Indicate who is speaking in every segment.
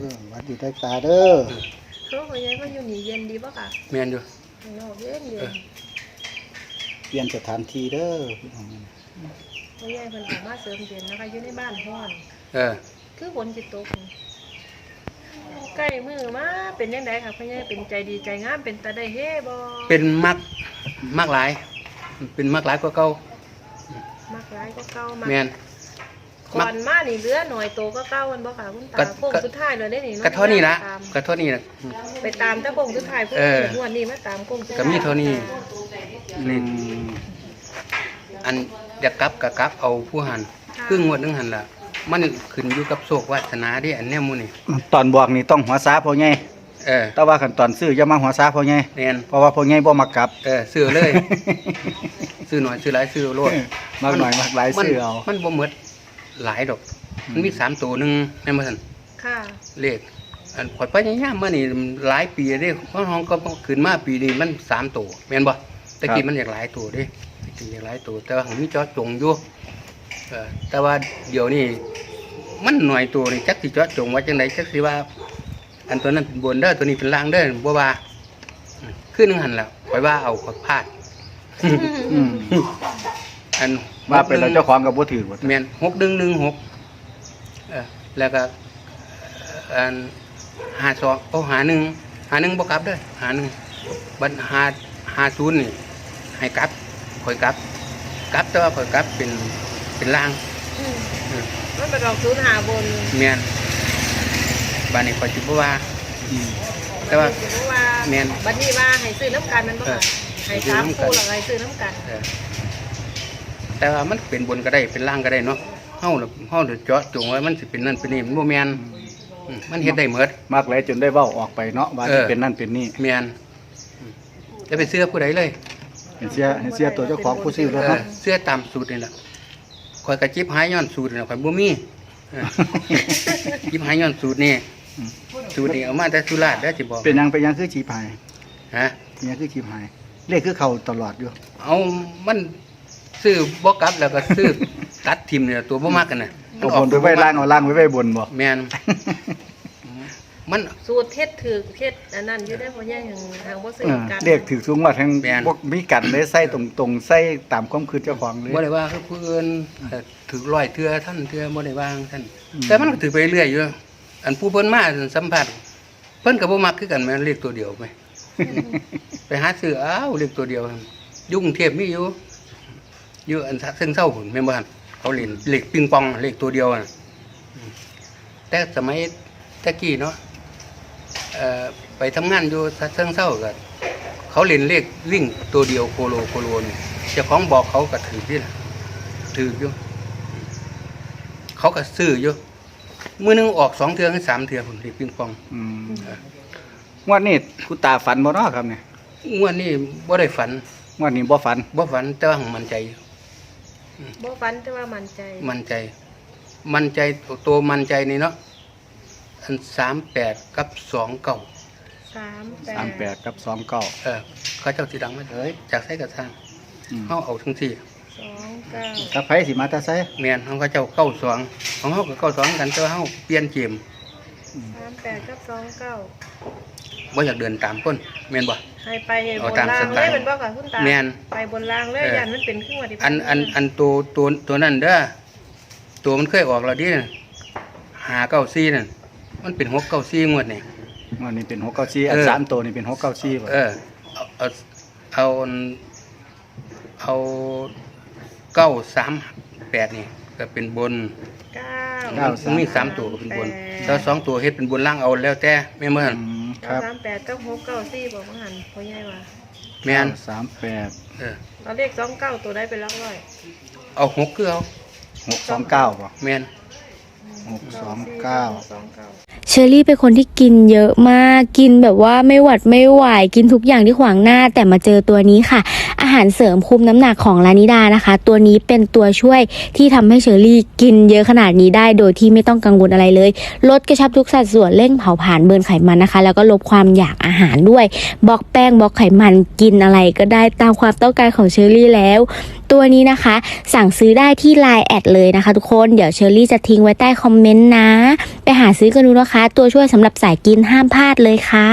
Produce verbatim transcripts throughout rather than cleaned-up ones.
Speaker 1: วัดอยู่ใต้ตาเด้อ
Speaker 2: เขาพ่อใหญ่ก็อยู่นี่เย็นดีป่ะค่ะ
Speaker 3: แม่นอยู่
Speaker 2: ข้างนอกเย็นเย็น
Speaker 1: เปลี่ยนสถานที่เด้อ
Speaker 2: พ่อใหญ่เพิ่นออกมาเสริมเย็นนะคะอยู่ในบ้านห้อน
Speaker 3: เออ
Speaker 2: คือฝนจิตตกใกล้มือมาเป็นยังไงค่ะพ่อใหญ่เป็นใจดีใจงามเป็นตาได้เฮ่บ่
Speaker 3: เป็นมักมักหลายเป็นมักหลายกว่าเก่า
Speaker 2: มักหลายก็เก่า
Speaker 3: แม่น
Speaker 2: ก่อนมานี่เหลือหน่อยโตก็เก่ามันบ่ค่ะคุณตาโค้งสุดท้ายเลยได้นี่
Speaker 3: กระเท่านี้ละกระเท่านี้ละ
Speaker 2: ไปตามตะโค้งสุดท้ายเพิ่นงวดนี้มาตามโค้งสุดท้าย
Speaker 3: ก็มีเท่านี้นี่อันอยากกลับก็กลับเอาผู้หันครึ่งงวดนึงหันล่ะมันขึ้นอยู่กับโชควาสนาดิอันเนี้ยมูนี่
Speaker 1: ตอนบอกนี่ต้องหัวซาพ่อใหญ่
Speaker 3: เออ
Speaker 1: แต่ว่าขั้นตอนซื้ออย่ามาหัวซาพ่อใหญ่
Speaker 3: แม่น
Speaker 1: เพราะว่าพ่อใหญ่บ่มักกลับ
Speaker 3: เออซื้อเลยซื้อหน่อยซื้อหลายซื้อโลด
Speaker 1: มากหน่อยมากหลายซื้อเอา
Speaker 3: มันบ่หมดหลายดอกมันมีสามตัวนึงแม่นบ่ซั่น
Speaker 2: ค่ะ
Speaker 3: เลขอันข่อยพยายามมานี่หลายปีเด้เพราะห้องก็ขึ้นมาปีนี้มันสามตัวแม่นบ่ตะกี้มันอยากหลายตัวเด้ตะกี้อยากหลายตัวแต่ว่ามีเจาะจงอยู่เออแต่ว่าเดี๋ยวนี้มันหน่อยตัวนี่จักสิเจาะจงว่าจังไดจักสิว่าอันตัวนั้นเป็นบนเด้อตัวนี้เป็นล่างเด้อบ่ว่าขึ้นนึงหันแล้วข่อยว่าเอาข่อยพลาดอัน
Speaker 1: ว่าเป็นเราเจ้าของกับบ่ถือบ่
Speaker 3: แม่นหกหนึ่งหนึ่งหกเออแล้วก็อันห้าสองโอ้หาหนึ่งหาหนึ่งบ่กลับเด้อหาหนึ่งบัดหาหาศูนย์นี่ให้กลับข่อยกลับกลับแต่ว่าข่อยกลับเป็นเป็นล่าง
Speaker 2: มันเป็นดอกศูนย์หาบน
Speaker 3: แม่นบ้านนี้ข่อยสิบ่ว่าแต่ว่า
Speaker 2: แม่นบัดนี้ว่าให้ซื้อน้ำกันมันบ่ค่ะให้สามคู่แล้วให้ซื้อน้ำกัน
Speaker 3: แต่ว่ามันเป็นบนก็ได้เป็นล่างก็ได้เนาะเฮาเฮาเจาะจงไว้มันสิเป็นนั่นเป็นนี่มันบ่แม่นมันเฮ็ดได้หมด
Speaker 1: มากหลายจนได้เว้าออกไปเนาะว่าสิเป็นนั่นเป็นนี่
Speaker 3: แม่นจะไปเสื้อผู้ใดเลย
Speaker 1: เห็นเสื้อเห็นเสื้อตัวเจ้าของผู้ซื้อแล้วเนาะ
Speaker 3: เสื้อตามสูตรนี่ล่ะข่อยก็จิบหายย้อนสูตรนี่ข่อยบ่มีจิบหายย้อนสูตรนี่สูตรนี่เอามาแต่สุราษฎร์เด้อสิบอก
Speaker 1: เป็นยังเป็นยังคือจีพาย
Speaker 3: ฮะ
Speaker 1: เป็นยังคือจีพายเลขคือเข้าตลอดอยู่
Speaker 3: เอามันซื้อบ่กลับแล้วก็ซื้อตัดทิ่มเนี่ยตัวบ่มักกันน่ะ
Speaker 1: มันออกไปไว้ล่างเอาล่างไว้ไว้บนบ่
Speaker 3: แม่นมัน
Speaker 2: สูตรเทศถือเทศอันนั้นอยู่ได้บ่แย่งทางบ่ซื้อกัน
Speaker 1: เลขถือสูงว่าทางบ่มีกันได้ใส่ตรงๆใส่ตามความคิดเจ้าของเลย
Speaker 3: บ่ได้ว่าคือผู้อื่นถือร้อยเทื่อท่านเทื่อบ่ได้ว่าท่านแต่มันก็ถือไปเรื่อยอยู่อันผู้เพิ่นมาสัมผัสเพิ่นก็บ่มักคือกันแม่นเลขตัวเดียวไปไปหาซื้ออ้าวเลขตัวเดียวยุ่งเทพมีอยู่อยู่อันซึ่งเศร้าหุ่นแม่นบ่ท่านเขาเล่นเลขปิงปองเลขตัวเดียวน่ะแต่สมัยตะกี้เนาะเอ่อไปทำงานอยู่เชิงเศร้าก็เขาเล่นเลขวิ่งตัวเดียวโคโลโคโลนี่เจ้าของบอกเขาก็ถือนี่ล่ะถืออยู่เขาก็ซื้ออยู่มื้อนึงออกสองเทื่อถึงสามเทื่อพุ่นเลขปิงปอง
Speaker 1: อืมงวดนี้คุณตาฝันบ่เนาะครับเนี่ย
Speaker 3: งวดนี้บ่ได้ฝัน
Speaker 1: งวดนี้บ่ฝัน
Speaker 3: บ่ฝันแต่ว่ามั่นใจ
Speaker 2: บ่ฝันแต่ว่ามั่นใจ
Speaker 3: มั่นใจมั่นใจตัวมั่นใจนี่เนาะอันสามแปดกับสองเก้า
Speaker 2: สามแปด
Speaker 1: สามแปดกับสองเก้า
Speaker 3: เออเขาเจ้าสิดังมาเลยจากไสกระทางเฮาเอาทั้งสี่
Speaker 2: สองเก้า
Speaker 1: ถ้าไผสิมาแต่ไส
Speaker 3: แม่นเฮาเขาเจ้าเก้าสองของเฮาก็เก้าสองกันแต่ว่าเฮาเปลี่ยนเกม
Speaker 2: สามแปดกับสองเก้า
Speaker 3: บ่อยากเดินตามคนแม่นบ่
Speaker 2: ให้ไปบนรางเลยเป็นบ่ค่ะคุณตา
Speaker 3: แม่น
Speaker 2: ไปบนรางเลยยันมันเป็นขึ้นว่าที่
Speaker 3: อันอันอันตัวตัวตัวนั้นเด้อตัวมันเคยออกแล้วดิห้าเก้าสี่นั่นมันเป็นหกเก้าสี่งวดนี่
Speaker 1: งวดนี้เป็นหกเก้าสี่อันสามตัวนี่เป็นหกเก้าสี่บ่
Speaker 3: เออเอาเอาเอาเก้าสามแปดนี่ก็เป็นบน
Speaker 2: เก้า
Speaker 3: เก้ามีสามตัวก็เป็นบนแล้วสองตัวเฮ็ดเป็นบนล่างเอาแล้วแต่แม่นบ่หั่น
Speaker 2: ครับสามแปดกับหกเก้าสี่บ่ว่าหั่นพ่อใหญ่ว่า
Speaker 3: แม่น
Speaker 1: สามแปด
Speaker 3: เออ
Speaker 2: เอาเลขสองเก้าตัวใดเป็นหลักร้อย
Speaker 3: เอาหกคือเอา
Speaker 1: หกสองเก้าบ่
Speaker 3: แม่น
Speaker 1: หกสองเก้า
Speaker 4: เชอรี่เป็นคนที่กินเยอะมากกินแบบว่าไม่หวัดไม่ไหวกินทุกอย่างที่ขวางหน้าแต่มาเจอตัวนี้ค่ะอาหารเสริมคุมน้ำหนักของลานิดานะคะตัวนี้เป็นตัวช่วยที่ทำให้เชอรี่กินเยอะขนาดนี้ได้โดยที่ไม่ต้องกังวลอะไรเลยลดกระชับทุกสัดส่วนเร่งเผาผลาญเบิร์นไขมันนะคะแล้วก็ลดความอยากอาหารด้วยบล็อกแป้งบล็อกไขมันกินอะไรก็ได้ตามความต้องการของเชอรี่แล้วตัวนี้นะคะ สั่งซื้อได้ที่ ไลน์ แอดเลยนะคะทุกคนเดี๋ยวเชอรี่จะทิ้งไว้ใต้คอมเมนต์นะไปหาซื้อกันดูนะคะ ตัวช่วยสำหรับสายกินห้ามพลาดเลยค่ะ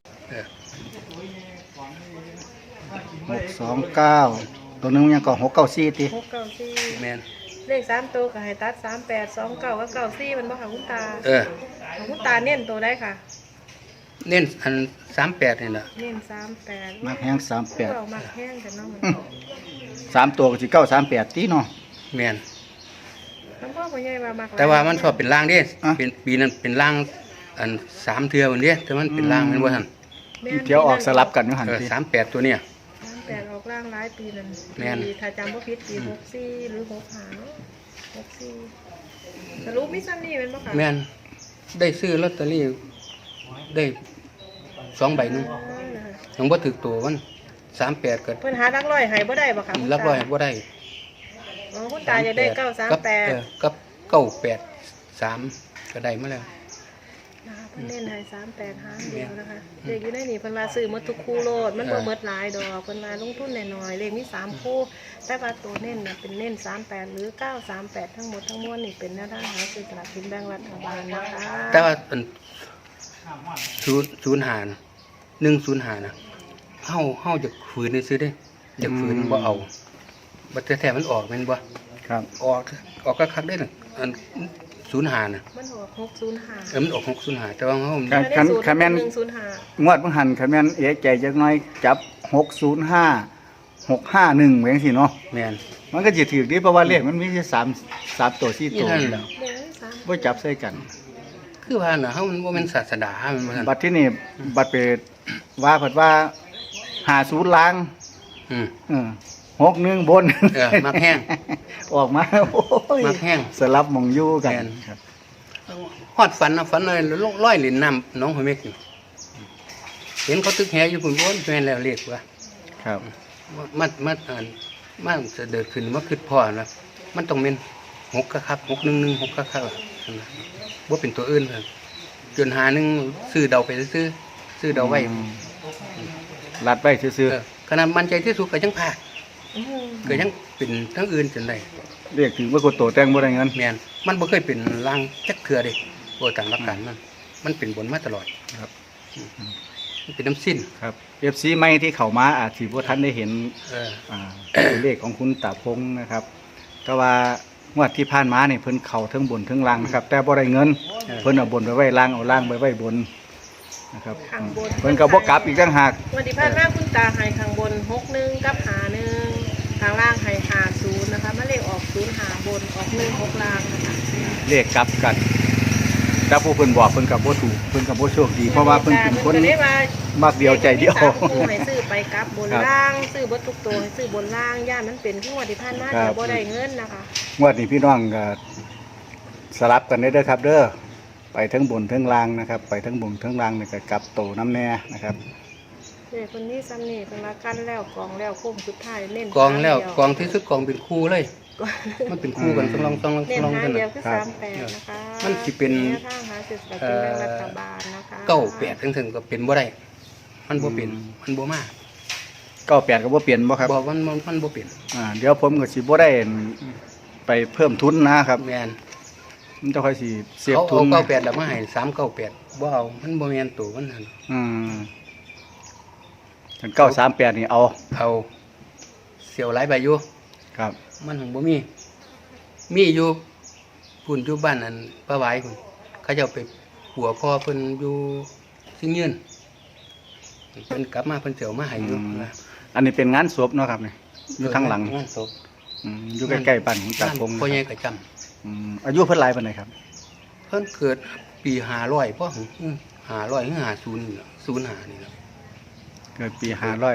Speaker 1: หกสองเก้าตัวหนึงยังก็หกเก้าสี่ติ
Speaker 2: หกเก้าสี่
Speaker 3: แม่น
Speaker 2: เลขสามตัวก็ให้ตัดสามแปดสองเก้ากับเก้าสี่มันบ่ค่ะคุณตา
Speaker 3: เออ
Speaker 2: ของคุณตาเน้นตัวได้ค่ะ
Speaker 3: เน้นอันสามแปดนี่ล่ะ
Speaker 2: เน้นสามแปด
Speaker 1: มักแห้งสามแปด
Speaker 2: เรามักแห้งแต่น้องมัน
Speaker 1: สามตัวก็สิเก้าสามแปดตีเนาะ
Speaker 3: แม่น
Speaker 2: น้องพ่อพ่อใหญ่ว่ามักหลย
Speaker 3: แต่ว่ามันชอบเป็นล่างเด้
Speaker 1: อ่ะ
Speaker 3: เป็นปีนั้นเป็นล่างอันสามเทื่อวันเด้แต่มันเป็นล่างแม่นบ่ทัน
Speaker 2: แม่น
Speaker 1: เที่ยวออกสลับกันอยู่หั่น
Speaker 3: เออ
Speaker 1: ติ
Speaker 3: สามแปดตัวเนี่ย
Speaker 2: สามแปดออกร่างหลายปีนั่น
Speaker 3: แม่น
Speaker 2: ปีถ้าจำบ่ผิดปีหกสี่หรือหกห้าเนาะหกสี่สรุปมีซ้ำนี่เป็นบ่ค่ะ
Speaker 3: แม่นได้ซื้อลอตเตอรี่ได้สองใบหนึงยังบ่ถึกตัวมันสามแปดก็
Speaker 2: เพิ่นหารักร้อยให้บ่ได้บ่ค่ะ
Speaker 3: รับร้อยบ่ได้
Speaker 2: อ๋อคุณตาจะได้เก้าสามแปด
Speaker 3: เออกับเก้าแปดสามก็ได้มาแล้ว
Speaker 2: นะคะเพิ่นเน้นให้สามแปดหางเดียวนะคะเลขอยู่ในนี่เพิ่นว่าซื้อหมดทุกคู่โลดมันบ่หมดหลายดอกเพิ่นว่าลงทุนน้อยๆเลขมีสามคู่แต่ว่าตัวเน้นน่ะเป็นเน้นสามแปดหรือเก้าสามแปดทั้งหมดทั้งมวลนี่เป็นแนวทางหาซื้อสลากกินแบ่งรัฐบาลนะคะ
Speaker 3: แต่ว่าอันศูนย์ศูนย์หารหนึ่งศูนย์หานะเฮาเฮาจะฝืนซื้อได้จะฝืนบ่เอาบัดแท้ๆมันออกแม่นบ่
Speaker 1: ครับ
Speaker 3: ออกออกก็คักได้น่ะอันศูนย์หาน่ะ
Speaker 2: มันออกหกศูนย์ห้า
Speaker 3: เออมันออกหกศูนย์หาแต่ว่าเฮา
Speaker 1: คันคันคันแม่น
Speaker 2: หนึ่งศูนย์ห้าง
Speaker 1: วดเพิ่งหันคันแม่นเอะใจจักหน้อยจับหกศูนย์ห้า หกห้าหนึ่งไว้จังซี่เนาะ
Speaker 3: แม่น
Speaker 1: มันก็สิถูกดีเพราะว่าเลขมันมีแค่สาม สามตัวสี่
Speaker 3: นี่
Speaker 1: ตัว
Speaker 3: เท่านั้นแหละ
Speaker 2: เดี๋ยวสาม
Speaker 1: บ่จับใส่กัน
Speaker 3: คือว่าน่ะเฮามันบ่แม่นศาสดามันบ่ซั่น
Speaker 1: บัดที่นี่บัดไปว่าเพิ่นว่าหาศูนย์ล้าง
Speaker 3: อืม
Speaker 1: เออหกหนึ่งบน
Speaker 3: เออมักแห้ง
Speaker 1: ออกมาโอ้ย
Speaker 3: มักแห้ง
Speaker 1: สลับหมองอยู่กัน
Speaker 3: แม่น
Speaker 1: ครับ
Speaker 3: ฮอดฝันนะฝันเลยร้อยเหรียญน้ำน้องหอยเม็กนี่เห็นเขาตึกแหอยู่พุ่นโอนแม่นแล้วเรียกว่า
Speaker 1: ครับ
Speaker 3: มามาอ่านมาจะเดินขึ้นมาคิดพ่อนะมันต้องเป็นหกคักๆหกหนึ่งหนึ่งหกคักๆอะนะว่าเป็นตัวอื่นเลยจนหาหนึ่งซื้อเดาไปซื้อซื้อเดาไว้
Speaker 1: อืมรัดไว้ซื่อ
Speaker 3: เออขนาดมันใจที่สุดก็ยังพลาด
Speaker 2: อืม
Speaker 3: ก็ยังเป็นทั้งอื่นจนได้
Speaker 1: ๆเรียกถึงว่าโกโตแต่งบ่ได้เงิน
Speaker 3: แมนมันบ่เคยเป็นลางจักเทือเด้โอ้ตามหลักการมันมันเป็นบนมาตลอด
Speaker 1: ครับ
Speaker 3: มันเป็นน้ำสิ้น
Speaker 1: ครับ เอฟ ซี ใหม่ที่เข้ามาอาจสิบ่ทันได้เห็น
Speaker 3: เออ
Speaker 1: อ่า ตัวเลขของคุณตาพงษ์นะครับแต่ว่างวดที่ผ่านมาเนี่ยเพิ่นเข้าทั้งบนทั้งล่างนะครับ แต่บ่ได้เงิน เพิ่นเอาบนไปไว้ล่างเอาล่างไปไว้บนนะครับ
Speaker 2: ข้างบน
Speaker 1: เพิ่นก็บ่กลับอีกต่างหาก
Speaker 2: วันที่ผ่านมาคุณตาให้ข้างบนหกหนึ่งกับหาหนึ่งข้างล่างให้หาศูนย์นะคะมาเลขออกศูนย์หาบนออกหนึ่งหกล่างนะคะ
Speaker 1: เลขกลับกันแต่ผู้เพิ่นบอกเพิ่นก็บ่ถูกเพิ่นก็บ่โชคดีเพราะว่าเพิ่นเป็นคน
Speaker 2: ก็ได้ว่า
Speaker 1: มักเดียวใจเดียว
Speaker 2: มีสามคู่ให้ซื้อไปกลับบน
Speaker 1: ครับ
Speaker 2: ล่างซื้อบนทุกตัวให้ซื้อบนล่างย่านมันเป็นที่วันที่ผ่านมา
Speaker 1: ครับ
Speaker 2: เดี๋ยวบ่ได้เงินนะคะ
Speaker 1: งวดนี้พี่น้องก็สลับกันได้เด้อครับ เด้อไปทั้งบนทั้งล่างนะครับ ไปทั้งบนทั้งล่างนี่ก็กลับโตน้ำแน่นะครับ
Speaker 2: เด็กคนนี้ซ้ำนี่เป็นละกันแล้วกองแล้วคุ้มสุดท้ายเน้น
Speaker 3: กองแล้ว
Speaker 2: หาเดีย
Speaker 3: กองที่สุดกองเป็นคู่เลย
Speaker 2: กอง
Speaker 3: มันเป็นคู่กันต้องลองต้องลอง
Speaker 2: เน้น
Speaker 3: ลอง
Speaker 2: หา
Speaker 3: กัน
Speaker 2: เดียว
Speaker 3: น่ะ
Speaker 2: คือ
Speaker 1: ครับ
Speaker 2: สามแปดนะคะ
Speaker 3: มันสิเป็น
Speaker 2: แนวทางหาเศรษฐกิจแบ่งรัฐบาลนะคะ
Speaker 3: เก้าแปดถึงถึงก็เป็นบ่ได้มันบ่เป็น
Speaker 1: อืม
Speaker 3: มันบ่มา
Speaker 1: เก้าแปดก็บ่เปลี่ยนบ่ครับ
Speaker 3: บอกมันมันมันบ่เป็น
Speaker 1: อ่าเดี๋ยวผมก็สิบ่ได้ไปเพิ่มทุนนะครับ
Speaker 3: แม่น
Speaker 1: มันจะค่อยสิเสียบ
Speaker 3: เขา
Speaker 1: ทุ
Speaker 3: เอา
Speaker 1: น
Speaker 3: เก้าแปดแล้วมาให้สามเก้าแปดบ่เอามันบ่แม่นตัวมันนั่น
Speaker 1: อืมถึงเก้าสามแปดนี่เอา
Speaker 3: เอาเสียวหลายใบอยู่
Speaker 1: ครับ
Speaker 3: มันของบ่มี มีอยู่พุ่นอยู่บ้านอันป้าหวายพุ่นเขาเจ้าไปหัวพ่อเพิ่นอยู่ซิงยืนเพิ่นกลับมาเพิ่นเสียวมาให้อยู่นะ
Speaker 1: อันนี้เป็นงานศพเนาะครับนี่อยู่ทางหลัง
Speaker 3: งานศพ
Speaker 1: อืมอยู่ใกล้ๆบ้านของตาพงษ์
Speaker 3: พ่อใหญ่
Speaker 1: นะครับ
Speaker 3: ก็จำ
Speaker 1: อืมอายุเพิ่นหลายปานใดครับ
Speaker 3: เพิ่นเกิดปีห้าร้อยพ่อหึห้าร้อยหรือห้าศูนย์นี่ล่ะศูนย์ห้านี่ล่ะ
Speaker 1: เกิดปีห้าร้อย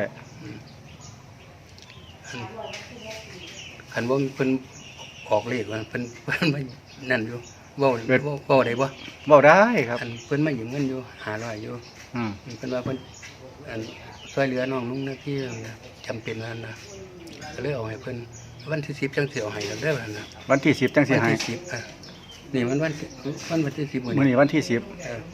Speaker 3: คันว่าเพิ่นออกเลขว่าเพิ่นเพิ่นมานั่นอยู่เว้าเว้าเว้าได้บ่
Speaker 1: เว้าได้ครับ
Speaker 3: คันเพิ่นมายืมเงินอยู่ห้าร้อยอยู่
Speaker 1: อืม
Speaker 3: เพิ่นว่าเพิ่นอันช่วยเหลือน้องนุ่งหน้าที่จำเป็นนั่นนะก็เลยเอาให้เพิ่นวันที่สิบจังสิเอาให้แล้วเด้อนั่นนะ
Speaker 1: วันที่สิบจังสิ
Speaker 3: วัน
Speaker 1: ให้
Speaker 3: ที่สิบอ่ะนี่มันวันที่วันวันที่สิบมื้อ
Speaker 1: มื้อ
Speaker 3: นี้
Speaker 1: นี้วันที่สิบ
Speaker 3: เออ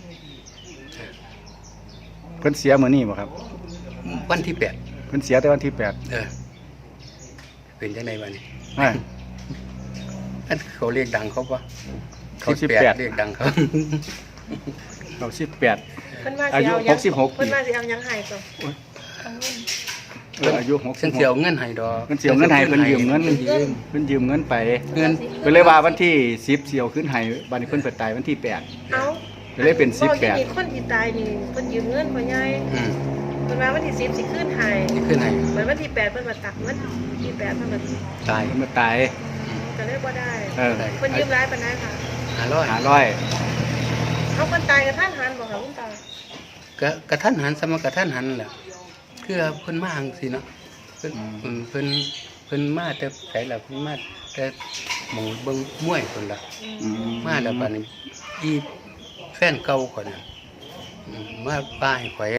Speaker 1: เพิ่นเสียมื้อนี้บ่ครับ
Speaker 3: วันที่แปด
Speaker 1: เพิ่นเสียแต่วันที่แปด
Speaker 3: เออเป็นจังไดบัดนี้
Speaker 1: อ่า
Speaker 3: อันเขาเรียกดังเขาปะ
Speaker 1: เขาสิบแปด
Speaker 3: เรียกดังเขา
Speaker 1: เขาสิบแปด
Speaker 2: เพิ่นว่า
Speaker 1: อา
Speaker 2: สิ
Speaker 1: ยุ
Speaker 2: เอายัง
Speaker 1: หกสิบหก
Speaker 2: เพิ่นว่าสิเอายังให้ก่อนเอาเงิน
Speaker 1: เอออายุหกสิ
Speaker 3: ฉั
Speaker 1: บ
Speaker 3: น
Speaker 1: ห
Speaker 3: เสียว
Speaker 1: ก
Speaker 3: เงินให้ดอก
Speaker 1: เพิ่นสิเอาเงินให้เพิ่นยืมเงิน
Speaker 3: พิ่ยืม
Speaker 1: เพิ่นยืมเงินไป
Speaker 3: เงิน
Speaker 1: เพิ่นเลยว่าวันที่สิบเสียวขึ้นให้บัดนี้เพิ่นเปิดตายวันที่แปด
Speaker 2: เอา
Speaker 1: ก็เลยเป็นสิบแปด
Speaker 2: บอกอย่างนี้คนที่ตายนี่เพิ่นยืมเงินพ่อใหญ่
Speaker 3: อืม
Speaker 2: เพิ่นว่าวันที่สิบสิขึ้นให้
Speaker 3: ที่ขึ้นให้
Speaker 2: เหมือนวันที่แปดเพิ่นมาตักวันที่แปดเพิ่นมา
Speaker 3: ตาย
Speaker 1: เพิ่นมาตาย
Speaker 2: ก็เลยบ่ได้
Speaker 1: เออ
Speaker 2: เพิ่นยืมหลายปานใดค่ะ
Speaker 3: ห้าร้อย
Speaker 1: หาร้อย
Speaker 2: เอาคนตายกับท่านหันบ่ค่ะคุณตา
Speaker 3: กะกระทันหันสมกระทันหันแหละคือเพิ่นมาจังซี่เนาะเพิ่นเพิ่นเพิ่นเพิ่นมาแต่ไสล่ะเพิ่นมาแต่หมู่เบิ่งมวยเพิ่นล่ะ
Speaker 1: อื
Speaker 3: มาแล้วบัดนี้อีแฟนเก่าข่อยน่ะอืมมาป้าให้ข่อย